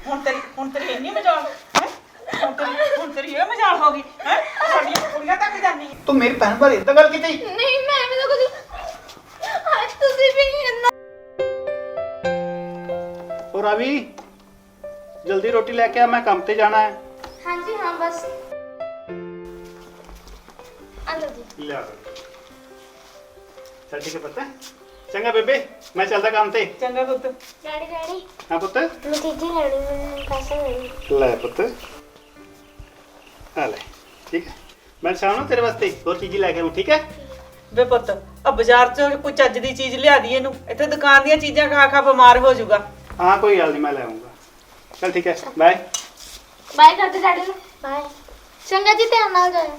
ਹੁਣ ਤੇਰੀ ਇੰਨੀ ਮਜਾਲ ਹੈ ਹੁਣ ਤੇਰੀ ਇਹ ਮਜਾਲ ਹੋ ਗਈ ਹੈ ਸਾਡੀਆਂ ਕੁੜੀਆਂ ਤੱਕ ਜਾਨੀ ਤੂੰ ਮੇਰੀ ਭੈਣ ਬਾਰੇ ਇਦਾਂ ਗੱਲ ਕੀਤੀ ਨਹੀਂ ਮੈਂ ਵੀ ਤਾਂ ਕੁਝ ਅੱਜ ਤੁਸੀਂ ਵੀ ਇੰਨਾ ਉਹ ਰਵੀ ਜਲਦੀ ਰੋਟੀ ਲੈ ਕੇ ਆ ਮੈਂ ਕੰਮ ਤੇ ਜਾਣਾ ਹੈ ਹਾਂਜੀ ਹਾਂ ਬਸ ਆਲੋ ਜੀ ਲਿਆ ਚੱਲ ਠੀਕ ਹੈ ਪੁੱਤ ਚੰਗਾ ਬੇਬੇ ਮੈਂ ਚੱਲਦਾ ਕੰਮ ਤੇ ਚੰਗਾ ਪੁੱਤ ਡੈਡੀ ਹਾਂ ਪੁੱਤ ਮੈਂ ਤੀਜੀ ਲੈਣੀ ਮੈਨੂੰ ਪੈਸੇ ਨਹੀਂ ਲੈ ਪੁੱਤ ਆ ਲੈ ਠੀਕ ਹੈ ਮੈਂ ਸ਼ਾਮ ਨੂੰ ਤੇਰੇ ਵਾਸਤੇ ਹੋਰ ਚੀਜ਼ ਲੈ ਕੇ ਆਉਂ ਠੀਕ ਹੈ ਵੇ ਪੁੱਤ ਆ ਬਾਜ਼ਾਰ ਚ ਕੋਈ ਚੱਜ ਦੀ ਚੀਜ਼ ਲਿਆ ਦੀ ਇਹਨੂੰ ਇੱਥੇ ਦੁਕਾਨ ਦੀਆਂ ਚੀਜ਼ਾਂ ਖਾ ਖਾ ਬਿਮਾਰ ਹੋ ਜਾਊਗਾ ਹਾਂ ਕੋਈ ਗੱਲ ਨਹੀਂ ਮੈਂ ਲੈ ਆਉਂਗਾ ਚਲ ਠੀਕ ਹੈ ਬਾਏ ਬਾਏ ਕਰਦੇ ਡੈਡੀ ਨੂੰ ਬਾਏ ਚੰਗਾ ਜੀ ਧਿਆਨ ਨਾਲ ਜਾਇਓ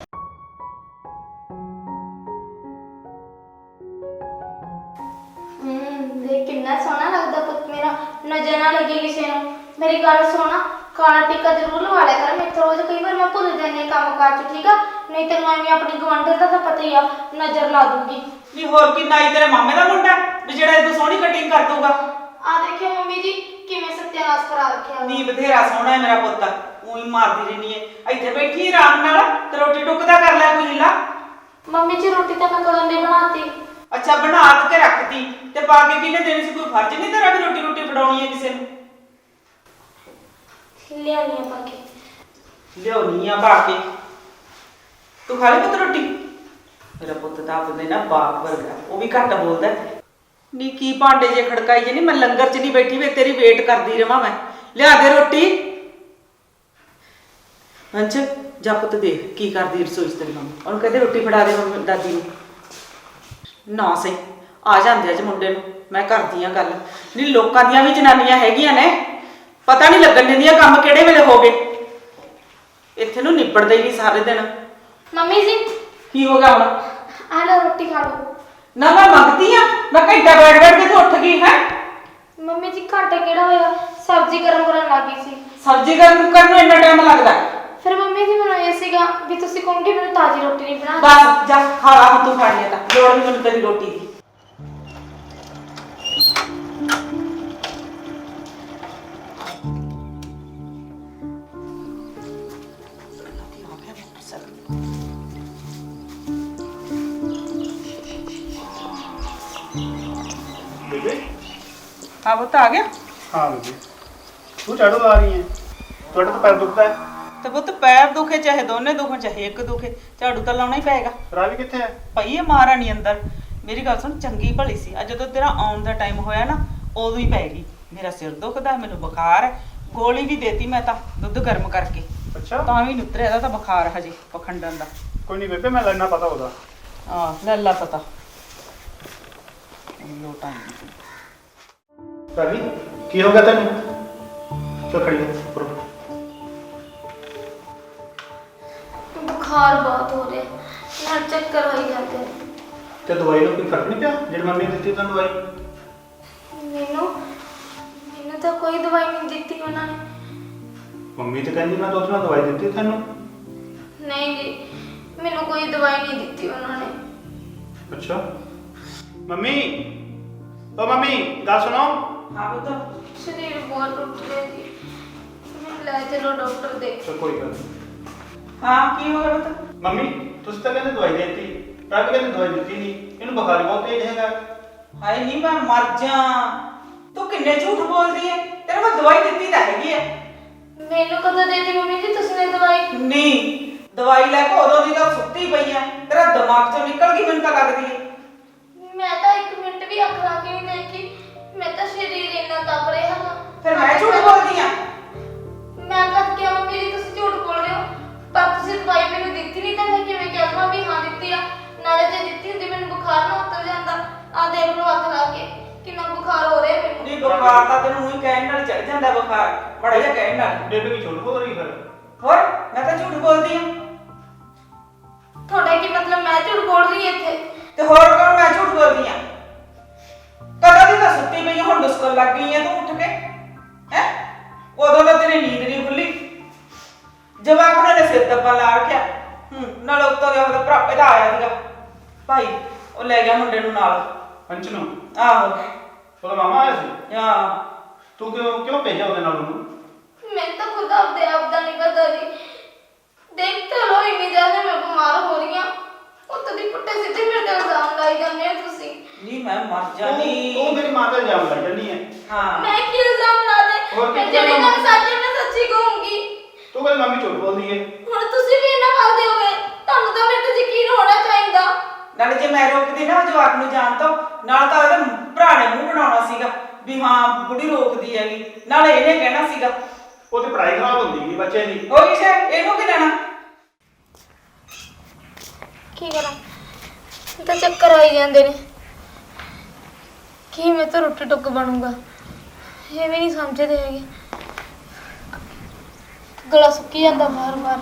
ਦੇਖ ਕਿੰਨਾ ਸੋਹਣਾ ਲੱਗਦਾ ਪੁੱਤ ਮੇਰਾ ਨਜ਼ਰ ਨਾ ਲੱਗੇ ਕਿਸੇ ਨੂੰ ਮੇਰੀ ਗੱਲ ਸੁਣਾ ਕਾਲਾ ਟਿੱਕਾ ਜ਼ਰੂਰ ਲਵਾ ਲਿਆ ਕਰ ਮੇਰੇ ਰੋਜ਼ ਕਈ ਵਾਰ ਮੈਂ ਭੁੱਲ ਜਾਂਦੀ ਹਾਂ ਕੰਮ ਕਾਰ ਚ ਠੀਕ ਆ ਨਹੀਂ ਤੈਨੂੰ ਐਵੇਂ ਆਪਣੀ ਗਵੰਡਰ ਦਾ ਤਾਂ ਪਤਾ ਹੀ ਆ ਨਜ਼ਰ ਲਾ ਦੂੰਗੀ ਨਹੀਂ ਹੋਰ ਕੀ ਨਾਈ ਤੇਰੇ ਮਾਮੇ ਦਾ ਮੁੰਡਾ ਵੀ ਜਿਹੜਾ ਇਹਨੂੰ ਸੋਹਣੀ ਕਟਿੰਗ ਕਰ ਦੂਗਾ ਆ ਦੇਖਿਓ ਮੰਮੀ ਜੀ ਕਿਵੇਂ ਸੱਤਿਆਨਾਸ਼ ਕਰਾ ਰੱਖਿਆ ਨੀ ਬਥੇਰਾ ਸੋਹਣਾ ਹੈ ਮੇਰਾ ਪੁੱਤ ਉਹੀ ਮਾਰਦੀ ਰਹਿਣੀ ਹੈ ਇੱਥੇ ਬੈਠੀ ਆਰਾਮ ਨਾਲ ਤੇ ਰੋਟੀ ਟੁੱਕਦਾ ਕਰ ਲੈ ਕੋਈ ਹਿੱਲਾ ਮੰਮੀ ਜੀ ਰੋਟੀ ਤਾਂ ਮੈਂ ਕਦੋਂ ਦੀ ਬਣਾਤੀ ਅੱਛਾ ਬਣਾ ਕੇ ਰੱਖਤੀ ਤੇ ਪਾ ਕੇ ਕਿਹਨੇ ਦੇਣੀ ਸੀ ਕੋਈ ਫਰਜ਼ ਨਹੀਂ ਤੇਰਾ ਵੀ ਰੋਟੀ ਫੜਾਉਣੀ ਹੈ ਕਿਸੇ ਨੂੰ ਲਿਆਉਣੀ ਆ ਪਾ ਕੇ ਲਿਆਉਣੀ ਆ ਪਾ ਕੇ ਤੂੰ ਖਾ ਲਈ ਪੁੱਤ ਰੋਟੀ ਮੇਰਾ ਪੁੱਤ ਤਾਂ ਆਪਦੇ ਨਾ ਬਾਪ ਵਰਗਾ ਉਹ ਵੀ ਘੱਟ ਬੋਲਦਾ ਨੀ ਕੀ ਭਾਂਡੇ ਜੇ ਖੜਕਾਈ ਜੇ ਨਹੀਂ ਮੈਂ ਲੰਗਰ 'ਚ ਨਹੀਂ ਬੈਠੀ ਵੇ ਤੇਰੀ ਵੇਟ ਕਰਦੀ ਰਵਾਂ ਮੈਂ ਲਿਆ ਦੇ ਰੋਟੀ ਅੰਚ ਜਾ ਪੁੱਤ ਦੇਖ ਕੀ ਕਰਦੀ ਰਸੋਈ 'ਚ ਤੇਰੀ ਮੰਮੀ ਉਹਨੂੰ ਕਹਿੰਦੇ ਰੋਟੀ ਫੜਾ ਦੇ ਮੰਮੀ ਦਾਦੀ ਨੂੰ ਨਾ ਸਹੀ ਆ ਜਾਂਦੇ ਅੱਜ ਮੁੰਡੇ ਨੂੰ ਮੈਂ ਕਰਦੀ ਆ ਗੱਲ ਨਹੀਂ ਲੋਕਾਂ ਦੀਆਂ ਵੀ ਜਨਾਨੀਆਂ ਹੈਗੀਆਂ ਨੇ ਪਤਾ ਨਹੀਂ ਲੱਗਣ ਦਿੰਦੀਆਂ ਕੰਮ ਕਿਹੜੇ ਵੇਲੇ ਹੋ ਗਏ ਇੱਥੇ ਨੂੰ ਨਿਬੜਦੇ ਹੀ ਨਹੀਂ ਸਾਰੇ ਦਿਨ ਮੰਮੀ ਜੀ ਕੀ ਹੋ ਗਿਆ ਹੁਣ ਆ ਲਓ ਰੋਟੀ ਖਾ ਲਓ ਨਾ ਮੈਂ ਮੰਗਦੀ ਆ ਮੈਂ ਘੰਟਾ ਬੈਠ ਕੇ ਤੂੰ ਉੱਠ ਗਈ ਹੈ ਮੰਮੀ ਜੀ ਘਾਟਾ ਕਿਹੜਾ ਹੋਇਆ ਸਬਜ਼ੀ ਗਰਮ ਕਰਨ ਲੱਗੀ ਸੀ ਸਬਜ਼ੀ ਗਰਮ ਕਰਨ ਨੂੰ ਇੰਨਾ ਟਾਈਮ ਲੱਗਦਾ ਫਿਰ ਮੰਮੀ ਜੀ ਮੈਨੂੰ ਇਹ ਸੀਗਾ ਵੀ ਤੁਸੀਂ ਕਹੋਗੇ ਮੈਨੂੰ ਤਾਜ਼ੀ ਰੋਟੀ ਨਹੀਂ ਬਣਾ ਬਸ ਜਾ ਖਾ ਲਾ ਹੁਣ ਤੂੰ ਖਾਣੀ ਆ ਤਾਂ ਲੋੜ ਨਹੀਂ ਮੈਨੂੰ ਤੇਰੀ ਰੋਟੀ ਦੀ ਬੇਬੇ ਹਾਂ ਪੁੱਤ ਆ ਗਿਆ ਹਾਂ ਬੇਬੇ ਤੂੰ ਝਾੜੂ ਲਾ ਰਹੀ ਹੈ ਤੁਹਾਡਾ ਤਾਂ ਪੈਰ ਦੁਖਦਾ ਹੈ ਤੇ ਪੁੱਤ ਪੈਰ ਦੁਖੇ ਚਾਹੇ ਦੋਨੇ ਦੁਖਣ ਚਾਹੇ ਇੱਕ ਦੁਖੇ ਝਾੜੂ ਤਾਂ ਲਾਉਣਾ ਹੀ ਪਏਗਾ ਰਾਵੀ ਕਿੱਥੇ ਹੈ ਪਈ ਇਹ ਮਹਾਰਾਣੀ ਅੰਦਰ ਮੇਰੀ ਗੱਲ ਸੁਣ ਚੰਗੀ ਭਲੀ ਸੀ ਅੱਜ ਜਦੋਂ ਤੇਰਾ ਆਉਣ ਦਾ ਟਾਈਮ ਹੋਇਆ ਨਾ ਉਦੋਂ ਹੀ ਪੈ ਗਈ ਮੇਰਾ ਸਿਰ ਦੁਖਦਾ ਮੈਨੂੰ ਬੁਖਾਰ ਹੈ ਗੋਲੀ ਵੀ ਦੇਤੀ ਮੈਂ ਤਾਂ ਦੁੱਧ ਗਰਮ ਕਰਕੇ ਅੱਛਾ ਤਾਂ ਵੀ ਨੀ ਉਤਰਿਆ ਇਹਦਾ ਤਾਂ ਬੁਖਾਰ ਹਜੇ ਪਖੰਡਣ ਦਾ ਕੋਈ ਨਹੀਂ ਬੇਬੇ ਮੈਂ ਲੈਣਾ ਪਤਾ ਉਹਦਾ ਲੈ ਲਾ ਪਤਾ ਲੋਟਾਂ ਰਾਵੀ ਕੀ ਹੋ ਗਿਆ ਤੈਨੂੰ ਚਲ ਖੜੀ ਹੋ ਉੱਪਰ ਬੁਖਾਰ ਬਹੁਤ ਹੋ ਰਿਹਾ ਨਾਲ ਚੱਕਰ ਹੋਈ ਜਾਂਦੇ ਨੇ। ਤੇ ਦਵਾਈ ਨਾਲ ਕੋਈ ਫਰਕ ਨਹੀਂ ਪਿਆ ਜਿਹੜੀ ਮੰਮੀ ਨੇ ਦਿੱਤੀ ਤੈਨੂੰ ਦਵਾਈ ਮੈਨੂੰ ਤਾਂ ਕੋਈ ਦਵਾਈ ਨਹੀਂ ਦਿੱਤੀ ਉਹਨਾਂ ਨੇ ਮੰਮੀ ਤੇ ਕਹਿੰਦੀ ਮੈਂ ਦੋ ਦਿਨ ਦਵਾਈ ਦਿੱਤੀ ਤੈਨੂੰ ਨਹੀਂ ਜੀ ਮੈਨੂੰ ਕੋਈ ਦਵਾਈ ਨਹੀਂ ਦਿੱਤੀ ਉਹਨਾਂ ਨੇ ਅੱਛਾ ਮੰਮੀ ਓ ਮੰਮੀ ਗੱਲ ਸੁਣੋ ਹਾਂ ਪੁੱਤ ਸਰੀਰ ਬਹੁਤ ਟੁੱਟ ਰਿਹਾ ਜੀ ਮੈਨੂੰ ਲੈ ਚਲੋ ਡਾਕਟਰ ਦੇ ਚਲ ਕੋਈ ਗੱਲ ਨਹੀਂ ਹਾਂ ਕੀ ਹੋ ਗਿਆ ਪੁੱਤ ਮੰਮੀ ਤੁਸੀਂ ਤਾਂ ਕਹਿੰਦੇ ਦਵਾਈ ਦਿੱਤੀ ਰਾਵੀ ਕਹਿੰਦੀ ਦਵਾਈ ਦਿੱਤੀ ਨਹੀਂ ਇਹਨੂੰ ਬੁਖਾਰ ਬਹੁਤ ਤੇਜ਼ ਹੈਗਾ ਹਾਏ ਨਹੀਂ ਮੈਂ ਮਰ ਜਾ ਤੂੰ ਕਿੰਨੇ ਝੂਠ ਬੋਲਦੀ ਏ ਤੇਰੇ ਮੈਂ ਦਵਾਈ ਦਿੱਤੀ ਤਾਂ ਹੈਗੀ ਐ ਮੈਨੂੰ ਕਦੋਂ ਦੇਤੀ ਮੰਮੀ ਜੀ ਤੁਸੀਂ ਨੇ ਦਵਾਈ ਨਹੀਂ ਦਵਾਈ ਲੈ ਕੇ ਉਦੋਂ ਦੀ ਤਾਂ ਸੁੱਤੀ ਪਈ ਐ ਤੇਰਾ ਦਿਮਾਗ ਚੋਂ ਨਿਕਲ ਗਈ ਮੈਨੂੰ ਤਾਂ ਲੱਗਦੀ ਏ ਮੈਂ ਤਾਂ 1 ਮਿੰਟ ਵੀ ਅੱਖ ਲਾ ਕੇ ਨਹੀਂ ਦੇਖੀ ਮੈਂ ਤਾਂ ਸਰੀਰ ਇੰਨਾ ਤਪ ਰਿਹਾ ਹਾਂ ਫਿਰ ਮੈਂ ਝੂਠ ਬੋਲਦੀ ਆ ਮੈਂ ਕਦ ਕਿਹਾ ਮੰਮੀ ਜੀ ਤੁਸੀਂ ਝੂਠ ਬੋਲ ਰਹੇ ਹੋ ਪਰ ਤੁਸੀਂ ਦਵਾਈ ਮੈਨੂੰ ਦਿੱਤੀ ਨਹੀਂ ਤਾਂ ਮੈਂ ਕਿਵੇਂ ਕਹਿ ਵੀ ਹਾਂ ਦਿੱਤੀ ਆ ਨਾਲੇ ਜੇ ਦਿੱਤੀ ਹੁੰਦੀ ਮੈਨੂੰ ਬੁਖਾਰ ਨਾ ਉਤਰ ਜਾਂਦਾ ਆ ਦੇਖ ਲਓ ਅੱਖ ਲਾ ਕੇ ਕਿੰਨਾ ਬੁਖਾਰ ਹੋ ਰਿਹਾ ਮੈਨੂੰ ਨਹੀਂ ਬੁਖਾਰ ਤਾਂ ਤੈਨੂੰ ਉਹੀ ਕਹਿਣ ਨਾਲ ਚੜ ਜਾਂਦਾ ਬੁਖਾਰ ਬੜਾ ਜਿਹਾ ਕਹਿਣ ਨਾਲ ਬੇਬੇ ਕੀ ਝੂਠ ਬੋਲ ਰਹੀ ਫਿਰ ਹੋਰ ਮੈਂ ਤਾਂ ਝੂਠ ਬੋਲਦੀ ਆ ਤੁਹਾਡਾ ਕੀ ਮਤਲਬ ਮੈਂ ਝੂਠ ਬੋਲ ਰਹੀ ਇੱਥੇ ਤੇ ਹੋਰ ਕੌਣ ਮੈਂ ਝੂਠ ਬੋਲਦੀ ਆ ਕਦੋਂ ਦੀ ਤਾਂ ਸੁੱਤੀ ਪਈ ਹੁਣ ਦੁਸਕਣ ਲੱਗ ਗਈ ਆ ਤੂੰ ਉੱਠ ਕੇ ਹੈ ਉਦੋਂ ਤਾਂ ਤੇਰੀ ਨੀਂਦ ਨਹੀਂ ਖੁੱਲੀ ਜਵਾਕ ਨੇ ਸਿਰ ਦੱਬਾ ਲਾ ਰੱਖਿਆ ਨਾਲ ਉੱਤੋਂ ਗਿਆ ਉਹਦਾ ਭਰਾ ਇਹਦਾ ਆਇਆ ਸੀਗਾ ਭਾਈ ਉਹ ਲੈ ਗਿਆ ਮੁੰਡੇ ਨੂੰ ਨਾਲ ਪੰਚ ਨੂੰ ਆਹੋ ਉਹਦਾ ਮਾਮਾ ਆਇਆ ਸੀ ਹਾਂ ਤੂੰ ਕਿਉਂ ਭੇਜਿਆ ਉਹਦੇ ਨਾਲ ਉਹਨੂੰ? ਮੈਨੂੰ ਤਾਂ ਖੁਦ ਆਪਦੇ ਆਪ ਦਾ ਨਹੀਂ ਪਤਾ ਜੀ। ਦੇਖ ਤਾਂ ਲੋ ਇੰਨੀ ਜ਼ਿਆਦਾ ਮੈਂ ਬਿਮਾਰ ਹੋ ਰਹੀ ਹਾਂ। ਉੱਤੋਂ ਦੀ ਪੁੱਟੇ ਸਿੱਧੇ ਮੇਰੇ ਤੇ ਇਲਜ਼ਾਮ ਲਾਈ ਜਾਂਦੇ ਹੋ ਤੁਸੀਂ। ਨਹੀਂ ਮੈਂ ਮਰ ਤੂੰ ਜਾਣੀ। ਮੇਰੀ ਮਾਂ ਦਾ ਇਲਜ਼ਾਮ ਲਾਈ ਜਾਂਦੀ ਹੈ। ਹਾਂ ਮੈਂ ਕੀ ਇਲਜ਼ਾਮ ਲਾ ਦੇ? ਹੋਰ ਮੈਂ ਕੀ ਜਿਹੜੇ ਇਲਜ਼ਾਮ? ਗੱਲ ਸੱਚ ਹੈ ਮੈਂ ਸੱਚੀ ਕਹੂੰਗੀ। ਤੂੰ ਕਹਿੰਦੀ ਮੰਮੀ ਝੂਠ ਬੋਲਦੀ ਹੈ। ਹੁਣ ਤੁਸੀਂ ਵੀ ਇਹਨਾਂ ਵੱਲ ਦੇ ਹੋਗੇ। ਤੁਹਾਨੂੰ ਤਾਂ ਮੇਰੇ ਤੇ ਯਕੀਨ ਹੋਣਾ ਚਾਹੀਦਾ। ਨਾਲੇ ਜੇ ਮੈਂ ਰੋਕਦੀ ਨਾ ਉਹ ਜਵਾਕ ਨੂੰ ਜਾਣ ਤੋਂ, ਨਾਲ ਤਾਂ ਉਹਦੇ ਭਰਾ ਨੇ ਮੂੰਹ ਬਣਾਉਣਾ ਸੀਗਾ ਵੀ ਹਾਂ ਬੁੜੀ ਰੋਕਦੀ ਹੈਗੀ, ਨਾਲੇ ਇਹਨੇ ਕਹਿਣਾ ਸੀਗਾ ਉਹਦੀ ਪੜ੍ਹਾਈ ਖਰਾਬ ਹੁੰਦੀ ਹੈ ਬੱਚੇ ਦੀ। ਹੋਈ ਸ਼ੇ ਇਹਨੂੰ ਕੀ ਲੈਣਾ। ਕੀ ਕਰਾਂ? ਤਾਂ ਚੱਕਰ ਆਈ ਜਾਂਦੇ ਨੇ। ਕੀ ਮੈਂ ਤਾਂ ਰੋਟੀ ਟੁੱਕ ਬਣੂਗਾ ਇਹ ਵੀ ਨਹੀਂ ਸਮਝਦੇ ਹੈਗੇ। ਗਲਾ ਸੁੱਕੀ ਜਾਂਦਾ ਬਾਰ-ਬਾਰ।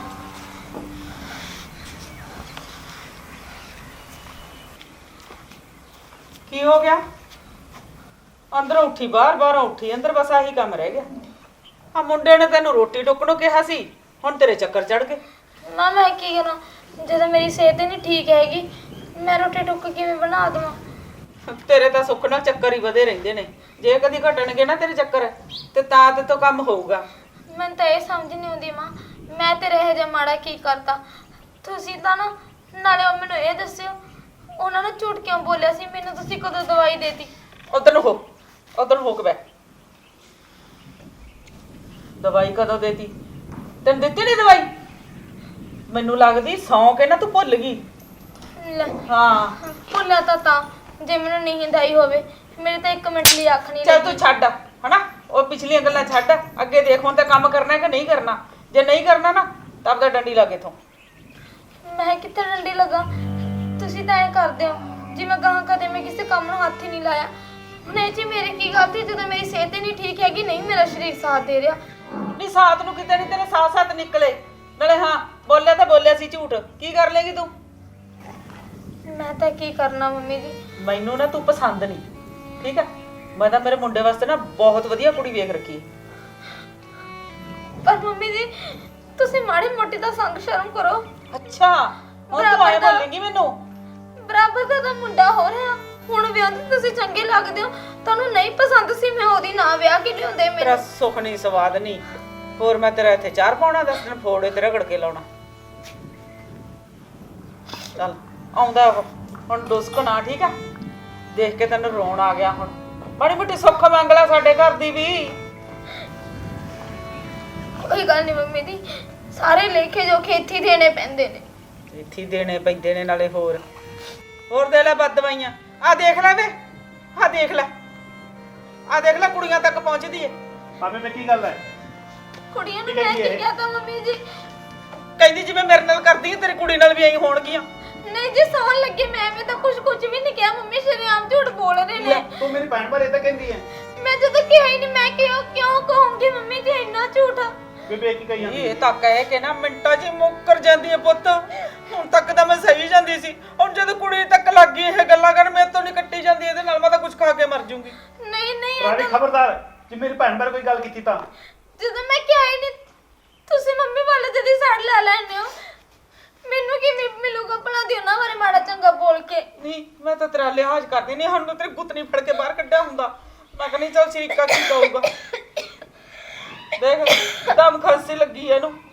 ਕੀ ਹੋ ਗਿਆ? ਅੰਦਰੋਂ ਉੱਠੀ ਬਾਹਰ ਉੱਠੀ ਅੰਦਰ, ਬਸ ਆਹੀ ਕੰਮ ਰਹਿ ਗਿਆ। ਆ ਮੁੰਡੇ ਨੇ ਤੈਨੂੰ ਰੋਟੀ ਟੁੱਕ ਨੂੰ ਕਿਹਾ ਸੀ, ਹੁਣ ਤੇਰੇ ਚੱਕਰ ਚੜ ਗਏ। ਨਾ ਮੈਂ ਕੀ ਕਰਾਂ ਜਦੋਂ ਮੇਰੀ ਸਿਹਤ ਹੀ ਨਹੀਂ ਠੀਕ ਹੈਗੀ। ਮੈਂ ਰੋਟੀ ਟੁੱਕ ਕਿਵੇਂ ਬਣਾ ਦੇਵਾਂ? ਤੇਰੇ ਤਾਂ ਸੁੱਖ ਨਾਲ ਚੱਕਰ ਹੀ ਵਧੇ ਰਹਿੰਦੇ ਨੇ। ਜੇ ਕਦੀ ਘਟਣਗੇ ਨਾ ਤੇਰੇ ਚੱਕਰ ਤੇ ਤਾਂ ਤੇ ਤੋਂ ਕੰਮ ਹੋਊਗਾ। ਮੈਨੂੰ ਤਾਂ ਇਹ ਸਮਝ ਨਹੀਂ ਆਉਂਦੀ ਮਾਂ, ਮੈਂ ਤੇਰੇ ਇਹ ਜਿਹਾ ਮਾੜਾ ਕੀ ਕਰਤਾ? ਤੁਸੀਂ ਤਾਂ ਨਾ ਨਾਲੇ ਉਹ ਮੈਨੂੰ ਇਹ ਦੱਸਿਓ ਉਹਨਾਂ ਨੇ ਝੂਠ ਕਿਉਂ ਬੋਲਿਆ ਸੀ? ਮੈਨੂੰ ਤੁਸੀਂ ਕਦੋਂ ਦਵਾਈ ਦੇਤੀ? ਉਧਰ ਹੋ ਕੇ ਬੈ। ਦਵਾਈ ਕਦੋਂ ਦੇਤੀ? ਤੈਨੂੰ ਦਿੱਤੀ ਨਹੀਂ ਦਵਾਈ? ਮੈਨੂੰ ਲੱਗਦੀ ਸੌਂ ਕੇ ਨਾ ਤੂੰ ਭੁੱਲ ਗਈ। ਲੈ, ਹਾਂ ਭੁੱਲਿਆ ਤਾਂ ਜੇ ਮੈਨੂੰ ਨੀਂਦ ਆਈ ਹੋਵੇ। ਮੇਰੇ ਤਾਂ 1 ਮਿੰਟ ਲਈ ਅੱਖ ਨਹੀਂ ਚੱਲ ਲੱਗੀ। ਤੂੰ ਛੱਡ ਹਨਾ, ਉਹ ਪਿਛਲੀਆਂ ਗੱਲਾਂ ਛੱਡ, ਅੱਗੇ ਦੇਖ ਹੁਣ ਤਾਂ ਕੰਮ ਕਰਨਾ ਹੈ ਕਿ ਨਹੀਂ ਕਰਨਾ। ਜੇ ਨਹੀਂ ਕਰਨਾ ਨਾ ਤਾਂ ਆਪਦਾ ਡੰਡੀ ਲਾ ਕੇ ਇਥੋਂ। ਮੈਂ ਕਿੱਥੇ ਡੰਡੀ ਲਗਾ? ਤੁਸੀਂ ਤਾਂ ਐ ਕਰਦੇ ਹੋ ਜਿਵੇਂ ਗਾਹਾਂ ਕਦੇ ਮੈਂ ਕਿਸੇ ਕੰਮ ਨੂੰ ਹੱਥ ਹੀ ਨਹੀਂ ਲਾਇਆ। ਹੁਣ ਇਹ 'ਚ ਮੇਰੀ ਕੀ ਗਲਤੀ ਜਦੋਂ ਮੇਰੀ ਸਿਹਤ ਹੀ ਨਹੀਂ ਠੀਕ ਹੈਗੀ? ਨਹੀਂ ਮੇਰਾ ਸਰੀਰ ਸਾਥ ਦੇ ਰਿਹਾ। ਨਹੀਂ ਸਾਥ ਨੂੰ ਕਿਤੇ ਨਹੀਂ, ਤੇਰੇ ਸਾਥ ਨਿਕਲੇ। ਨਾਲੇ ਹਾਂ ਬੋਲਿਆ ਤਾਂ ਬੋਲਿਆ ਸੀ ਝੂਠ, ਕੀ ਕਰ ਲੇਗੀ ਤੂੰ? ਮੈਂ ਤਾਂ ਕੀ ਕਰਨਾ ਮੰਮੀ ਜੀ। ਮੈਨੂੰ ਨਾ ਤੂੰ ਪਸੰਦ ਨਹੀਂ, ਠੀਕ ਹੈ? ਮੈਂ ਤਾਂ ਮੇਰੇ ਮੁੰਡੇ ਵਾਸਤੇ ਨਾ ਬਹੁਤ ਵਧੀਆ ਕੁੜੀ ਵੇਖ ਰੱਖੀ ਹੈ। ਪਰ ਮੰਮੀ ਜੀ ਤੁਸੀਂ ਮਾੜੀ ਮੋਟੀ ਤਾਂ ਸੰਗ ਸ਼ਰਮ ਕਰੋ। ਅੱਛਾ ਹੁਣ ਤੂੰ ਆਏ ਬੋਲੇਂਗੀ ਮੈਨੂੰ? ਬਰਾਬਰ ਦਾ ਤਾਂ ਮੁੰਡਾ ਹੋ ਰਿਹਾ। ਹੁਣ ਵਿਆਹ ਤੇ ਤੁਸੀਂ ਚੰਗੇ ਲੱਗਦੇ ਹੋ। ਤੁਹਾਨੂੰ ਨਹੀਂ ਪਸੰਦ ਸੀ ਮੈਂ ਉਹਦੀ ਨਾ ਵਿਆਹ ਕਿ ਲਿਆਉਂਦੇ ਤੇਰਾ ਮੈਨੂੰ। ਸੁੱਖ ਨਹੀਂ ਸਵਾਦ ਨਹੀਂ। ਹੋਰ ਮੈਂ ਤੇਰਾ ਇੱਥੇ ਚਾਰ ਪਾਉਣਾ, 10 ਦਿਨ ਫੋੜੇ ਤੇ ਰਗੜ ਕੇ ਲਾਉਣਾ। ਚੱਲ ਆਉਂਦਾ ਉਹ ਹੁਣ ਡੁਸਕ ਨਾ, ਠੀਕ ਆ? ਦੇਖ ਕੇ ਤੈਨੂੰ ਰੋਣ ਆ ਗਿਆ। ਹੁਣ ਬੜੀ ਮੋਟੀ ਸੁੱਖ ਮੰਗ ਲੈ ਸਾਡੇ ਘਰ ਦੀ ਵੀ। ਕੋਈ ਗੱਲ ਨਹੀਂ ਮੰਮੀ ਜੀ, ਸਾਰੇ ਲੇਖੇ ਜੋ ਖੇਤੀ ਦੇਣੇ ਪੈਂਦੇ ਨੇ। ਇੱਥੇ ਦੇਣੇ ਪੈਂਦੇ ਨੇ, ਨਾਲੇ ਹੋਰ ਦੇ ਲੈ ਬਦ ਦਵਾਈਆਂ। ਆ ਦੇਖ ਲੈ ਵੇ, ਆ ਦੇਖ ਲੈ, ਕੁੜੀਆਂ ਤੱਕ ਪਹੁੰਚਦੀ ਏ। ਮਾਮੇ ਮੈਂ ਕੀ ਗੱਲ ਹੈ? ਕੁੜੀਆਂ ਨੂੰ ਮੈਂ ਕੀ ਕਹਤਾ ਮੰਮੀ ਜੀ? ਕਹਿੰਦੀ ਜਿਵੇਂ ਮੇਰੇ ਨਾਲ ਕਰਦੀ ਏ ਤੇਰੀ ਕੁੜੀ ਨਾਲ ਵੀ ਐਂ ਹੋਣਗੀਆਂ। ਨਹੀਂ ਜੀ ਸੌਣ ਲੱਗੇ ਮੈਂ ਤਾਂ ਕੁਝ ਵੀ ਨਹੀਂ ਕਿਹਾ। ਮੰਮੀ ਸ਼ਰੀਆਮ ਝੂਠ ਬੋਲ ਰਹੇ ਨੇ। ਤੂੰ ਮੇਰੀ ਭੈਣ ਬਾਰੇ ਤਾਂ ਕਹਿੰਦੀ ਹੈ। ਮੈਂ ਜਦੋਂ ਕਿਹਾ ਹੀ ਨਹੀਂ, ਮੈਂ ਕਿਉਂ ਕਹੂੰਗੀ ਮੰਮੀ ਜੀ ਇੰਨਾ ਝੂਠ? ਬੇਬੇ ਕੀ ਕਹੀ ਜਾਂਦੀ ਇਹ ਤਾਂ ਕਹਿ ਕੇ ਨਾ ਮਿੰਟਾਂ 'ਚ ਹੀ ਮੁੱਕਰ ਜਾਂਦੀ ਏ ਪੁੱਤ। ਹੁਣ ਤੱਕ ਤਾਂ ਮੈਂ ਸਹੀ ਜਾਂਦੀ ਸੀ, ਹੁਣ ਜਦੋਂ ਕੁੜੀ ਤੱਕ ਲੱਗ ਗਈ ਇਹ ਗੱਲਾਂ ਕਰਨ, ਮੇਰੇ ਤੋਂ ਨਹੀਂ ਕੱਟੀ ਜਾਂਦੀ ਇਹਦੇ ਨਾਲ। ਮੈਂ ਤਾਂ ਕੁਝ ਖਾ ਕੇ ਮਰ ਜੂੰਗੀ। ਨਹੀਂ ਰਾਣੀ ਖਬਰਦਾਰ, ਜੇ ਮੇਰੀ ਭੈਣ ਬਾਰੇ ਕੋਈ ਗੱਲ ਕੀਤੀ ਤਾਂ। ਜਦੋਂ ਮੈਂ ਕਿਹਾ ਹੀ ਨਹੀਂ ਤੁਸੀਂ ਮੰਮੀ ਵਾਲੇ ਜਦੀ ਸੜ ਲੈ ਲੈਣੇ ਹੋ। ਮੈਨੂੰ ਕੀ ਮਿਲੂਗਾ ਭਲਾ ਦੀ ਉਹਨਾਂ ਬਾਰੇ ਮਾੜਾ ਚੰਗਾ ਬੋਲ ਕੇ? ਨਹੀਂ ਮੈਂ ਤਾਂ ਤੇਰਾ ਲਿਹਾਜ਼ ਕਰਦੀ ਨਹੀਂ। ਹੁਣ ਤੇਰੀ ਗੁੱਤਨੀ ਫੜ ਕੇ ਬਾਹਰ ਕੱਢਿਆ ਹੁੰਦਾ ਮੈਂ ਕਹਿੰਦੀ ਚੱਲ ਸ਼ਰੀਕਾ ਕੀ ਕਹੂਗਾ। ਦੇਖ ਦਮ ਖਾਂਸੀ ਲੱਗੀ ਐ ਇਹਨੂੰ।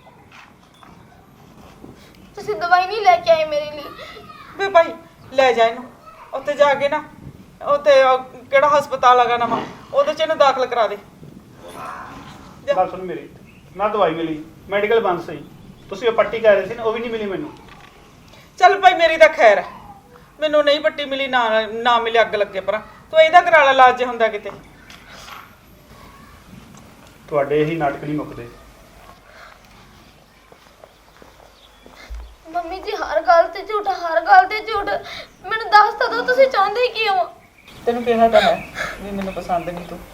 ਤੁਸੀਂ ਦਵਾਈ ਨਹੀਂ ਲੈ ਕੇ ਆਏ ਮੇਰੇ ਲਈ? ਵੇ ਭਾਈ ਲੈ ਜਾ ਇਹਨੂੰ, ਉੱਥੇ ਜਾ ਕੇ ਨਾ ਉੱਥੇ ਕਿਹੜਾ ਹਸਪਤਾਲ ਹੈਗਾ ਨਵਾਂ, ਉਹਦੇ 'ਚ ਇਹਨੂੰ ਦਾਖਲ ਕਰਾ ਦੇ। ਗੱਲ ਸੁਣ ਮੇਰੀ, ਨਾ ਦਵਾਈ ਮਿਲੀ, ਮੈਡੀਕਲ ਬੰਦ ਸੀ। ਤੁਸੀਂ ਉਹ ਪੱਟੀ ਕਹਿ ਰਹੇ ਸੀ ਨਾ, ਉਹ ਵੀ ਨਹੀਂ ਮਿਲੀ ਮੈਨੂੰ। ਚੱਲ ਭਾਈ ਮੇਰੀ ਤਾਂ ਖੈਰ ਹੈ, ਮੈਨੂੰ ਨਹੀਂ ਪੱਟੀ ਮਿਲੀ, ਨਾ ਮਿਲੇ ਅੱਗ ਲੱਗੇ ਪਰਾਂ। ਤੂੰ ਇਹਦਾ ਕਰਾ ਲੈ ਇਲਾਜ ਜੇ ਹੁੰਦਾ ਕਿਤੇ। ਤੁਹਾਡੇ ਇਹੀ ਨਾਟਕ ਨਹੀਂ ਮੁੱਕਦੇ। ਮੰਮੀ ਜੀ ਹਰ ਗੱਲ ਤੇ ਝੂਠ, ਹਰ ਗੱਲ ਤੇ ਝੂਠ। ਮੈਨੂੰ ਦੱਸ ਤਾਂ ਦਿਓ ਤੁਸੀਂ ਚਾਹੁੰਦੇ ਕੀ ਹੋ? ਤੈਨੂੰ ਕਿਹਾ ਤਾਂ ਹੈ ਵੀ ਮੈਨੂੰ ਪਸੰਦ ਨਹੀਂ ਤੂੰ।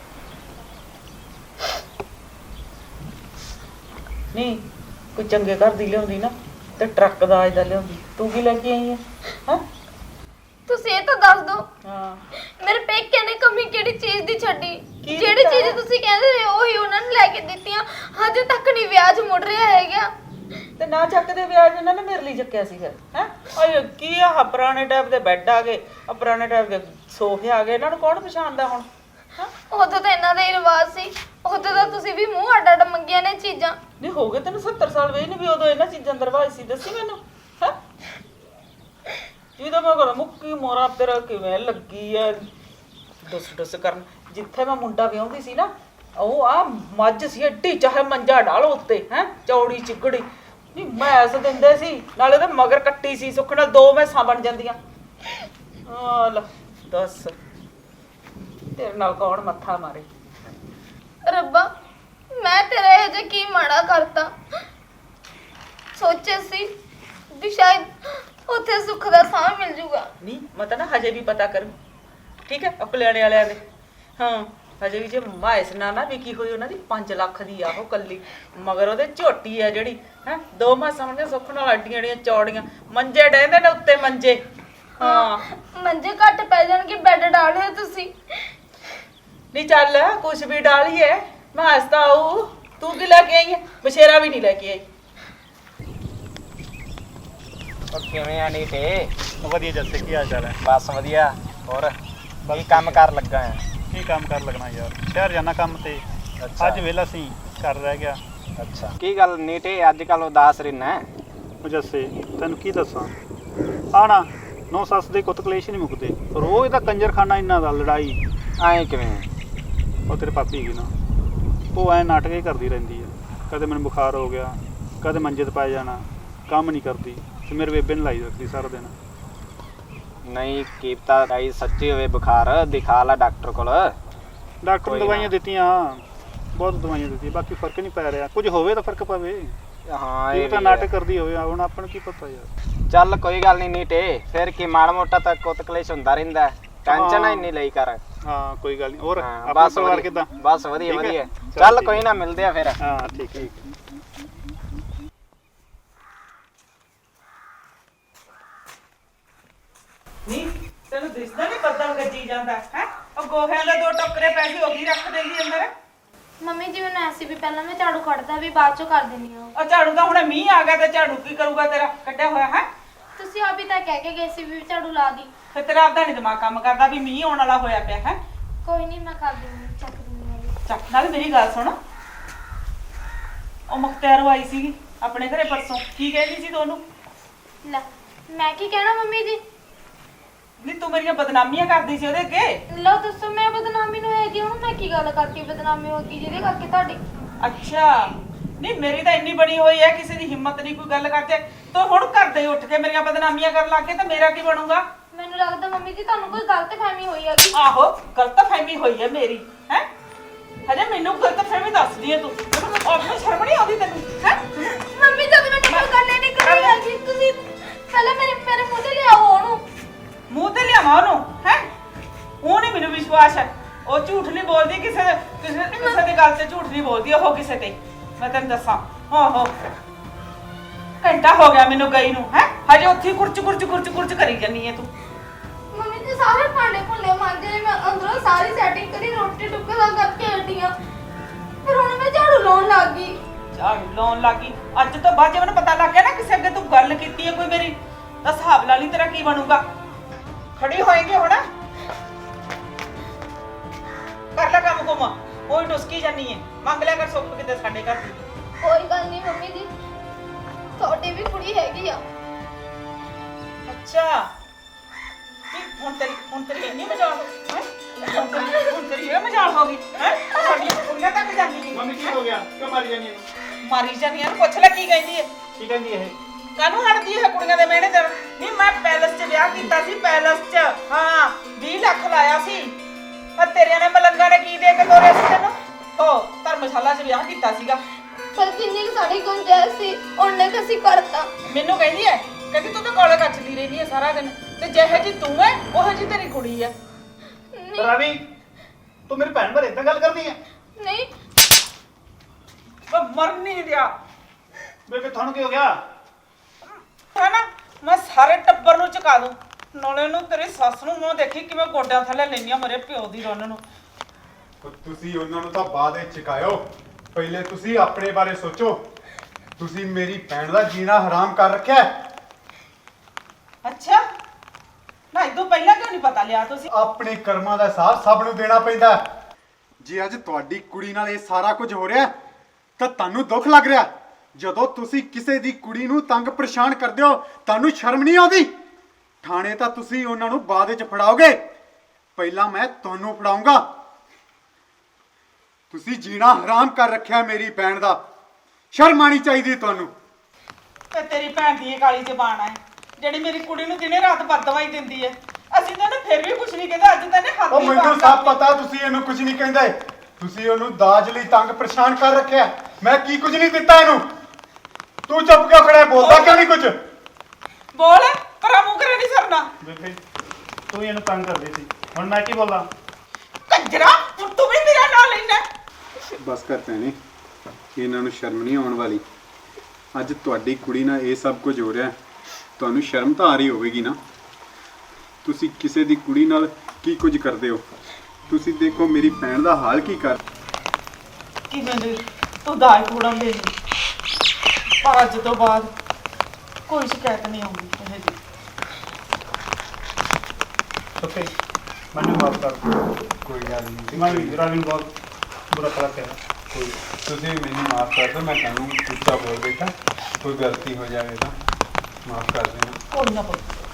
ਨਹੀਂ ਕੋਈ ਚੰਗੇ ਘਰ ਦੀ ਲਿਆਉਂਦੀ ਨਾ ਤੇ ਟਰੱਕ ਦਾਜ ਦਾ ਲਿਆਉਂਦੀ। ਤੂੰ ਕੀ ਲੈ ਕੇ ਆਈ ਹੈ? ਹਾਂ ਤੁਸੀਂ ਇਹ ਤਾਂ ਦੱਸ ਦਿਓ ਹਾਂ ਮੇਰੇ ਪੇਕੇ ਨੇ ਕਮੀ ਕਿਹੜੀ ਚੀਜ਼ ਦੀ ਛੱਡੀ? ਕੀ ਜਿਹੜੀ ਦਿੱਤਾ? ਚੀਜ਼ ਤੁਸੀਂ ਕਹਿੰਦੇ ਰਹੇ ਉਹੀ ਉਹਨਾਂ ਨੇ ਲੈ ਕੇ ਦਿੱਤੀਆਂ। ਹਜੇ ਤੱਕ ਨਹੀਂ ਵਿਆਜ ਮੁੜ ਰਿਹਾ ਹੈਗਾ। ਤੇ ਨਾ ਚੱਕਦੇ ਵਿਆਜ ਇਹਨਾਂ ਨੇ ਮੇਰੇ ਲਈ ਚੱਕਿਆ ਸੀ ਫਿਰ। ਹੈ ਓਏ ਕੀ ਆ ਪੁਰਾਣੇ ਟਾਈਪ ਦੇ ਬੈੱਡ ਆ ਗਏ, ਆ ਪੁਰਾਣੇ ਟਾਈਪ ਦੇ ਸੋਫੇ ਆ ਗਏ, ਇਹਨਾਂ ਨੂੰ ਕੌਣ ਪਛਾਣਦਾ ਹੁਣ? ਉਦੋਂ ਤਾਂ ਇਹਨਾਂ ਦਾ ਹੀ ਰਿਵਾਜ ਸੀ। ਉਦੋਂ ਤਾਂ ਤੁਸੀਂ ਵੀ ਮੂੰਹ ਅੱਡ ਅੱਡ ਮੰਗੀਆਂ ਨੇ ਚੀਜ਼ਾਂ। ਨਹੀਂ ਹੋ ਗਏ ਤੈਨੂੰ 70 ਸਾਲ ਵੇ ਨਹੀਂ ਵੀ ਉਦੋਂ ਇਹਨਾਂ ਚੀਜ਼ਾਂ ਦਰਵਾਜ਼ ਸੀ ਦੱਸੀ ਮੈਨੂੰ ਹੈ ਜਿਹਦਾ ਮੈਂ ਕਰ ਮੁੱਕੀ ਮੋਰਾ ਤੇਰਾ ਕਿਵੇਂ ਲੱਗੀ ਐ ਡਸ ਕਰਨ। ਜਿੱਥੇ ਮੈਂ ਮੁੰਡਾ ਵਿਆਹੁੰਦੀ ਸੀ ਨਾ ਉਹ ਆ ਮੱਝ ਸੀ ਏਡੀ ਚਾਹੇ ਮੰਜਾ ਢਾਲੋ ਉੱਤੇ ਹੈ ਚੌੜੀ ਚਿੱਕੜੀ ਨਹੀਂ ਮੈਸ ਦਿੰਦੇ ਸੀ ਨਾਲੇ ਤੇ ਮਗਰ ਕੱਟੀ ਸੀ ਸੁੱਖ ਨਾਲ 2 ਮੈਸਾਂ ਬਣ ਜਾਂਦੀਆਂ। ਆ ਲੈ ਦੱਸ ਤੇਰੇ ਨਾਲ ਕੌਣ ਮੱਥਾ ਮਾਰੇ। ਰੱਬਾ ਮੈਂ ਤੇਰਾ ਇਹ ਜੇ ਕੀ ਮਾੜਾ ਕਰਤਾ। ਸੋਚਿਆ ਸੀ ਵੀ ਸ਼ਾਇਦ ਉੱਥੇ ਸੁੱਖ ਦਾ ਸਾਹ ਮਿਲ ਜੂਗਾ। ਨਹੀਂ ਮੈਂ ਤਾਂ ਨਾ ਹਜੇ ਵੀ ਪਤਾ ਕਰ ਠੀਕ ਹੈ ਅਕਲਿਆਣੇ ਵਾਲਿਆਂ ਦੇ ਹਾਂ ਹਜੇ ਵੀ ਜੇ ਮਾਇਸ ਨਾ ਵਿਕੀ ਹੋਈ ਉਹਨਾਂ ਦੀ 5 ਲੱਖ ਦੀ ਆ ਉਹ ਕੱਲੀ ਮਗਰ ਉਹਦੇ ਝੋਟੀ ਆ ਜਿਹੜੀ ਹੈ 2 ਮਾਸ ਸਾਹਮਣੇ ਸੁੱਖ ਨਾਲ ਅੱਡੀਆਂ ਜਿਹੜੀਆਂ ਚੌੜੀਆਂ ਮੰਜੇ ਡੈਂਦੇ ਨੇ ਉੱਤੇ ਮੰਜੇ। ਹਾਂ ਮੰਜੇ ਘੱਟ ਪੈ ਜਾਣਗੇ ਬੈੱਡ ਡਾਲਿਓ ਤੁਸੀਂ। ਨਹੀਂ ਚੱਲ ਕੁਛ ਵੀ ਡਾਲੀਏ ਮੈਂ ਹੱਸਦਾ ਆਊ ਤੂੰ ਕੀ ਲੈ ਕੇ ਆਈ ਹੈ ਬਸ਼ੇਰਾ ਵੀ ਨਹੀਂ ਲੈ ਕੇ ਆਈ। ਉਹ ਕਿਵੇਂ ਆ ਨੀਟੇ? ਵਧੀਆ ਜੱਸੇ ਕੀ ਹਾਲ ਚਾਲ ਹੈ? ਬਸ ਵਧੀਆ। ਹੋਰ ਕੀ ਕੰਮ ਕਰ ਲੱਗਾ ਆ? ਕੀ ਕੰਮ ਕਰ ਲੱਗਣਾ ਯਾਰ ਸ਼ਹਿਰ ਜਾਣਾ ਕੰਮ ਤੇ ਅੱਜ ਵਿਹਲਾ ਸੀ ਘਰ ਰਹਿ ਗਿਆ। ਅੱਛਾ ਕੀ ਗੱਲ ਨੀਟੇ ਅੱਜ ਕੱਲ ਉਦਾਸ ਰਹਿਣਾ? ਉਹ ਜੱਸੇ ਤੈਨੂੰ ਕੀ ਦੱਸਾਂ ਆਣਾ ਨੌ ਸੱਸ ਦੇ ਕੁੱਤ ਕਲੇਸ਼ ਨਹੀਂ ਮੁੱਕਦੇ ਰੋਜ਼ ਦਾ ਕੰਜਰਖਾਨਾ ਇਹਨਾਂ ਦਾ ਲੜਾਈ। ਐਂ ਕਿਵੇਂ? ਉਹ ਤੇਰੇ ਪਾਪੀ ਹੈਗੀ ਨਾ ਉਹ ਐ ਨਾਟਕ ਹੀ ਕਰਦੀ ਰਹਿੰਦੀ ਹੈ ਕਦੇ ਮੈਨੂੰ ਬੁਖਾਰ ਹੋ ਗਿਆ ਕਦੇ ਮੰਜੇ ਤੇ ਪੈ ਜਾਣਾ ਕੰਮ ਨਹੀਂ ਕਰਦੀ ਤੇ ਮੇਰੇ ਬੇਬੇ ਨੇ ਲਾਈ ਰੱਖਦੀ ਸਾਰਾ ਦਿਨ। ਨਹੀਂ ਕੀਪਤਾ ਗਾਈ ਸੱਚੀ ਹੋਵੇ ਬੁਖਾਰ ਦਿਖਾ ਲਾ ਡਾਕਟਰ ਕੋਲ। ਡਾਕਟਰ ਨੇ ਕੋਈ ਦਵਾਈਆਂ ਨਾ। ਦਿੱਤੀਆਂ ਬਹੁਤ ਦਵਾਈਆਂ ਦਿੱਤੀਆਂ ਬਾਕੀ ਫਰਕ ਨਹੀਂ ਪੈ ਰਿਹਾ ਕੁਝ ਹੋਵੇ ਤਾਂ ਫਰਕ ਪਵੇ। ਹਾਂ ਇਹ ਇਹ ਤਾਂ ਵੀ ਨਾਟਕ ਹੈ। ਕਰਦੀ ਹੋਵੇ ਹੁਣ ਆਪਾਂ ਨੂੰ ਕੀ ਪਤਾ ਯਾਰ। ਚੱਲ ਕੋਈ ਗੱਲ ਨਹੀਂ ਨੀਟੇ ਫਿਰ ਕੀ ਮਾੜਾ ਮੋਟਾ ਤਾਂ ਕੁੱਤ ਕਲੇਸ਼ ਹੁੰਦਾ ਰਹਿੰਦਾ ਟੈਨਸ਼ਨ ਹਾਂ। ਇੰਨੀ ਲਈ ਕਰ। ਹਾਂ ਕੋਈ ਗੱਲ ਨਹੀਂ ਹੋਰ ਹਾਂ, ਆਪਣਾ ਬਸ ਪਰਿਵਾਰ ਵਧੀਆ। ਕਿੱਦਾਂ? ਬਸ ਵਧੀਆ ਠੀਕ ਹੈ? ਵਧੀਆ। ਚੱਲ ਚੱਲ ਠੀਕ ਕੋਈ ਹੈ। ਨਾ ਮਿਲਦੇ ਆ ਫਿਰ। ਹਾਂ ਠੀਕ ਹੈ। ਨਹੀਂ ਤੈਨੂੰ ਦਿਸਦਾ ਨਹੀਂ ਬੱਦਲ ਗੱਜੀ ਜਾਂਦਾ ਹੈ ਉਹ ਗੋਹਿਆਂ ਦੇ 2 ਟੋਕਰੇ ਪੈਸੇ ਹੋ ਗਈ ਰੱਖ ਦੇਂਦੀ ਅੰਦਰ। ਮੰਮੀ ਜੀ ਮੈਨੂੰ ਐਸੀ ਵੀ ਪਹਿਲਾਂ ਮੈਂ ਝਾੜੂ ਕੱਢਦਾ ਵੀ ਬਾਅਦ ਚੋਂ ਕਰ ਦਿੰਦੀ ਹਾਂ। ਉਹ ਝਾੜੂ ਦਾ ਹੁਣ ਮੀਂਹ ਆ ਗਿਆ ਤੇ ਝਾੜੂ ਕੀ ਕਰੂਗਾ ਤੇਰਾ ਕੱਢਿਆ ਹੋਇਆ ਹੈ ਤੁਸੀਂ ਆਪ ਹੀ ਤਾਂ ਕਹਿ ਕੇ ਗਏ ਸੀ ਵੀ ਝਾੜੂ ਲਾ ਦੀ। ਤੇ ਤੇਰਾ ਆਪਦਾ ਨਹੀਂ ਦਿਮਾਗ ਕੰਮ ਕਰਦਾ ਵੀ ਮੀਂਹ ਆਉਣ ਵਾਲਾ ਹੋਇਆ ਪਿਆ ਹੈ। ਕੋਈ ਨਹੀਂ ਮੈਂ ਕਰ ਦਿੰਦੀ ਚੱਕ ਦਿੰਦੀ ਹਾਂ। ਚੱਕ ਨਾਲ ਮੇਰੀ ਗੱਲ ਸੁਣ ਉਹ ਮੁਖਤਿਆਰ ਆਈ ਸੀਗੀ ਆਪਣੇ ਘਰੇ ਪਰਸੋਂ ਕੀ ਕਹਿੰਦੀ ਸੀ ਤੁਹਾਨੂੰ? ਲੈ ਮੈਂ ਕੀ ਕਹਿਣਾ ਮੰਮੀ ਜੀ। ਨਹੀਂ ਤੂੰ ਮੇਰੀਆਂ ਬਦਨਾਮੀਆਂ ਕਰਦੀ ਸੀ ਉਹਦੇ ਅੱਗੇ। ਲਓ ਦੱਸੋ ਮੈਂ ਬਦਨਾਮੀ ਨੂੰ ਹੈਗੀ ਹੁਣ ਮੈਂ ਕੀ ਗੱਲ ਕਰਤੀ ਬਦਨਾਮੀ ਹੋ ਗਈ ਜਿਹਦੇ ਕਰਕੇ ਤੁਹਾਡੀ। ਅੱਛਾ ਨਹੀਂ ਮੇਰੀ ਤਾਂ ਇੰਨੀ ਬਣੀ ਹੋਈ ਹੈ ਕਿਸੇ ਦੀ ਹਿੰਮਤ ਨਹੀਂ ਕੋਈ ਗੱਲ ਕਰਦੇ ਤੂੰ ਹੁਣ ਕਰਦੇ ਉੱਠ ਕੇ ਮੇਰੀਆਂ ਬਦਨਾਮੀਆਂ ਕਰਨ ਲੱਗ ਕੇ ਤਾਂ ਮੇਰਾ ਕੀ ਬਣੂਗਾ? ਮੈਨੂੰ ਲੱਗਦਾ ਮੰਮੀ ਜੀ ਤੁਹਾਨੂੰ ਕੋਈ ਗਲਤਫਹਿਮੀ ਹੋਈ ਹੈਗੀ। ਆਹੋ ਗਲਤਫਹਿਮੀ ਹੋਈ ਹੈ ਮੇਰੀ ਹੈ ਹਜੇ ਮੈਨੂੰ ਗਲਤਫਹਿਮੀ ਦੱਸਦੀ ਹੈ ਤੂੰ ਆਪਣੀ ਸ਼ਰਮ ਨਹੀਂ ਆਉਂਦੀ ਤੈਨੂੰ ਹੈ? ਮੰਮੀ ਜਦ ਮੈਨੂੰ ਕੋਈ ਗੱਲ ਹੀ ਨਹੀਂ ਕਰੀ ਹੈਗੀ ਤੁਸੀਂ ਪਹਿਲਾਂ ਮੇਰੇ ਮੂੰਹ ਤੇ ਲਿਆਓ ਉਹਨੂੰ। ਮੂੰਹ ਤੇ ਲਿਆਵਾਂ ਉਹਨੂੰ ਹੈ ਉਹ ਨਹੀਂ ਮੈਨੂੰ ਵਿਸ਼ਵਾਸ ਹੈ ਉਹ ਝੂਠ ਨਹੀਂ ਬੋਲਦੀ ਕਿਸੇ ਦੀ ਗੱਲ ਤੇ ਝੂਠ ਨਹੀਂ ਬੋਲਦੀ ਉਹ ਕਿਸੇ ਤੇ ਮੈਂ ਤੈਨੂੰ ਦੱਸਾਂ ਹੋ ਘੰਟਾ ਹੋ ਗਿਆ ਮੈਨੂੰ ਗਈ ਨੂੰ ਹੈ ਹਜੇ ਉੱਥੇ ਕੁਰਚ ਕਰੀ ਜਾਨੀ ਹੈ ਤੂੰ। ਮੰਮੀ ਜੀ ਸਾਰੇ ਭਾਂਡੇ ਭੁੱਲੇ ਮਾਂਜੇ ਨੇ ਮੈਂ ਅੰਦਰੋਂ ਸਾਰੀ ਸੈਟਿੰਗ ਕਰੀ ਰੋਟੀ ਟੁੱਕ ਦਾ ਕਰਕੇ ਹਟੀਆਂ ਫਿਰ ਹੁਣ ਮੈਂ ਝਾੜੂ ਲਾਉਣ ਲੱਗ ਗਈ। ਝਾੜੂ ਲਾਉਣ ਲੱਗੀ ਅੱਜ ਤੋਂ ਬਾਅਦ ਜੇ ਮੈਨੂੰ ਪਤਾ ਲੱਗ ਗਿਆ ਨਾ ਕਿਸੇ ਅੱਗੇ ਤੂੰ ਗੱਲ ਕੀਤੀ ਹੈ ਕੋਈ ਮੇਰੀ ਤਾਂ ਹਿਸਾਬ ਲਾ ਲਈ ਤੇਰਾ ਕੀ ਬਣੂਗਾ। ਖੜੀ ਹੋਏਗੀ ਹੁਣ ਕਰ ਲੈ ਕੰਮ ਕੁਮ ਕੋਈ ਡੁਸਕੀ ਜਾਨੀ ਹੈ ਮੰਗ ਲਿਆ ਕਰ ਸੁੱਖ ਕਿਤੇ ਸਾਡੇ ਘਰ ਦੀ। ਕੋਈ ਗੱਲ ਨਹੀਂ ਮੰਮੀ ਜੀ ਤੁਹਾਡੀ ਵੀ ਕੁੜੀ ਹੈਗੀ ਆ। ਅੱਛਾ ਹੁਣ ਤੇਰੀ ਇੰਨੀ ਮਜ਼ਾਲ ਹੈ ਹੁਣ ਤੇਰੀ ਇਹ ਮਜ਼ਾਲ ਹੋ ਗਈ ਹੈ ਸਾਡੀਆਂ ਕੁੜੀਆਂ ਤੱਕ ਜਾਂਦੀ ਨਹੀਂ। ਮੰਮੀ ਕੀ ਹੋ ਗਿਆ ਕਿਉਂ ਮਾਰੀ ਜਾਨੀ ਹੈ? ਮਾਰੀ ਜਾਂਦੀਆਂ ਨੂੰ ਪੁੱਛ ਲੈ ਕੀ ਕਹਿੰਦੀ ਹੈ ਕੀ ਕਹਿੰਦੀ ਇਹ? ਕਾਹਨੂੰ ਹਟਦੀ ਹੈ ਕੁੜੀਆਂ ਦੇ ਮਿਹਣੇ ਤੇ? ਨਹੀਂ ਮੈਂ ਪੈਲਸ 'ਚ ਵਿਆਹ ਕੀਤਾ ਸੀ ਪੈਲਸ 'ਚ ਹਾਂ 20 ਲੱਖ ਲਾਇਆ ਸੀ ਪਰ ਤੇਰਿਆਂ ਨੇ ਮਲੰਗਾ ਨੇ ਕੀ ਦੇ ਕੇ ਤੋਰਿਆ ਸੀ ਤੈਨੂੰ? ਹੋ ਧਰਮਸ਼ਾਲਾ 'ਚ ਵਿਆਹ ਕੀਤਾ ਸੀਗਾ। ਪਰ ਜਿੰਨੀ ਸਾਡੀ ਗੁੰਜਾਇਸ਼ ਸੀ ਉਹਨੇ ਕਸੀ ਕਰਤਾ। ਮੈਨੂੰ ਕਹਿੰਦੀ ਹੈ ਕਹਿੰਦੀ ਤੂੰ ਤਾਂ ਕੋਲੇ ਕੱਚਦੀ ਰਹਿੰਦੀ ਹੈ ਸਾਰਾ ਦਿਨ ਤੇ ਜਿਹੇ ਜੀ ਤੂੰ ਹੈ ਉਹੋ ਜੀ ਤੇਰੀ ਕੁੜੀ ਹੈ। ਰਵੀ ਤੂੰ ਮੇਰੀ ਭੈਣ ਬਾਰੇ ਇਦਾਂ ਗੱਲ ਕਰਦੀ ਹੈ? ਨਹੀਂ ਉਹ ਮਰ ਨਹੀਂ ਦਿਆ ਬੇਬੇ ਤੁਹਾਨੂੰ ਕੀ ਹੋ ਗਿਆ? ਹੈ ਨਾ ਮੈਂ ਸਾਰੇ ਟੱਬਰ ਨੂੰ ਚੁਕਾ ਦੂੰ ਨਾਲੇ ਨੂੰ ਤੇਰੀ ਸੱਸ ਨੂੰ ਮੂੰਹ ਦੇਖੀ ਕਿਵੇਂ ਗੋਡਿਆਂ ਥੱਲੇ ਲੈਣੀਆਂ ਮੇਰੇ ਪਿਓ ਦੀ ਰੋਣ ਨੂੰ। ਤੁਸੀਂ ਉਹਨਾਂ ਨੂੰ ਤਾਂ ਬਾਅਦ ਵਿੱਚ ਚਕਾਇਓ ਪਹਿਲੇ ਤੁਸੀਂ ਆਪਣੇ ਬਾਰੇ ਸੋਚੋ ਤੁਸੀਂ ਮੇਰੀ ਭੈਣ ਦਾ ਜੀਣਾ ਹਰਾਮ ਕਰ ਰੱਖਿਆ ਹੈ। ਅੱਛਾ ਨਾ ਇਦੋਂ ਪਹਿਲਾਂ ਕਿਉਂ ਨਹੀਂ ਪਤਾ ਲਿਆ ਤੁਸੀਂ? ਆਪਣੇ ਕਰਮਾਂ ਦਾ ਹਿਸਾਬ ਸਭ ਨੂੰ ਦੇਣਾ ਪੈਂਦਾ ਹੈ। ਜੇ ਅੱਜ ਤੁਹਾਡੀ ਕੁੜੀ ਨਾਲ ਇਹ ਸਾਰਾ ਕੁਝ ਹੋ ਰਿਹਾ ਤਾਂ ਤੁਹਾਨੂੰ ਦੁੱਖ ਲੱਗ ਰਿਹਾ। ਜਦੋਂ ਤੁਸੀਂ ਕਿਸੇ ਦੀ ਕੁੜੀ ਨੂੰ ਤੰਗ ਪਰੇਸ਼ਾਨ ਕਰਦੇ ਹੋ ਤੁਹਾਨੂੰ ਸ਼ਰਮ ਨਹੀਂ ਆਉਂਦੀ? ਥਾਣੇ ਤਾਂ ਤੁਸੀਂ ਉਹਨਾਂ ਨੂੰ ਬਾਅਦ ਵਿੱਚ ਫੜਾਓਗੇ, ਪਹਿਲਾਂ ਮੈਂ ਤੁਹਾਨੂੰ ਫੜਾਉਂਗਾ। ਤੁਸੀਂ ਜੀਣਾ ਹਰਾਮ ਕਰ ਰੱਖਿਆ ਮੇਰੀ ਭੈਣ ਦਾ, ਸ਼ਰਮ ਆਣੀ ਚਾਹੀਦੀ ਤੁਹਾਨੂੰ। ਤੇ ਤੇਰੀ ਭੈਣ ਦੀ ਇਹ ਕਾਲੀ ਜ਼ਬਾਨ ਹੈ ਜਿਹੜੀ ਮੇਰੀ ਕੁੜੀ ਨੂੰ ਦਿਨੇ ਰਾਤ ਬਦਦਵਾਈ ਦਿੰਦੀ ਹੈ। ਅਸੀਂ ਤਾਂ ਫਿਰ ਵੀ ਕੁਝ ਨਹੀਂ ਕਹਿੰਦੇ, ਅੱਜ ਤਾਂ ਇਹਨੇ ਹੱਥ ਉਹ ਹੀ ਮੈਨੂੰ ਪਾੜ ਸਭ ਦਿੱਤੇ। ਪਤਾ ਤੁਸੀਂ ਇਹਨੂੰ ਕੁਝ ਨਹੀਂ ਕਹਿੰਦੇ। ਤੁਸੀਂ ਉਹਨੂੰ ਦਾਜ ਲਈ ਤੰਗ ਪਰੇਸ਼ਾਨ ਕਰ ਰੱਖਿਆ। ਮੈਂ ਕੀ ਕੁਝ ਨਹੀਂ ਦਿੱਤਾ ਇਹਨੂੰ। ਤੂੰ ਚੁੱਪ ਕਿਉਂ ਖੜਾ ਹੈ? ਬੋਲਦਾ ਕਿਉਂ ਨਹੀਂ ਕੁਝ? ਬੋਲ, ਪਰਾਂ ਮੂੰਹ ਕਰੇ ਨਹੀਂ ਸਰਨਾ। ਬੇਬੇ ਤੂੰ ਹੀ ਇਹਨੂੰ ਤੰਗ ਕਰਦੀ ਸੀ, ਹੁਣ ਮੈਂ ਕੀ ਬੋਲਾਂ? ਕੰਜਰਾ, ਹੁਣ ਤੂੰ ਵੀ ਮੇਰਾ ਨਾਂ ਲੈਣਾ। ਬਸ ਕਰ ਭੈਣੇ, ਇਹਨਾਂ ਨੂੰ ਸ਼ਰਮ ਨਹੀਂ ਆਉਣ ਵਾਲੀ। ਅੱਜ ਤੁਹਾਡੀ ਕੁੜੀ ਨਾਲ ਇਹ ਸਭ ਕੁਝ ਹੋ ਰਿਹਾ, ਤੁਹਾਨੂੰ ਸ਼ਰਮ ਤਾਂ ਆ ਰਹੀ ਹੋਵੇਗੀ ਨਾ। ਤੁਸੀਂ ਕਿਸੇ ਦੀ ਕੁੜੀ ਨਾਲ ਕੀ ਕੁਝ ਕਰਦੇ ਹੋ। ਤੁਸੀਂ ਦੇਖੋ ਮੇਰੀ ਭੈਣ ਦਾ ਹਾਲ ਕੀ ਕਰ। ਕਿਵੇਂ ਦੇ ਤੂੰ ਦਾਜ ਕੂੜਨ ਦੇ ਪਰ ਅੱਜ ਤੋਂ ਬਾਅਦ ਕੋਈ ਸ਼ਿਕਾਇਤ ਨਹੀਂ ਆਉਂਦੀ ਇਹ ਜੀ। ਓਕੇ ਮੈਨੂੰ ਮਾਫ ਕਰ। ਕੋਈ ਗੱਲ ਨਹੀਂ, ਮੈਂ ਵੀ ਰਾਵੀ ਨੂੰ ਬਹੁਤ ਬੁਰਾ ਭਲਾ ਕਿਹਾ। ਕੋਈ ਤੁਸੀਂ ਮੈਨੂੰ ਮਾਫ ਕਰ ਦਿਓ। ਮੈਂ ਤੁਹਾਨੂੰ ਉੱਚਾ ਬੋਲ ਬੈਠਾ, ਕੋਈ ਗਲਤੀ ਹੋ ਜਾਵੇ ਤਾਂ ਮਾਫ ਕਰ ਦੇਣਾ। ਕੋਈ ਨਾ ਪੁੱਤ,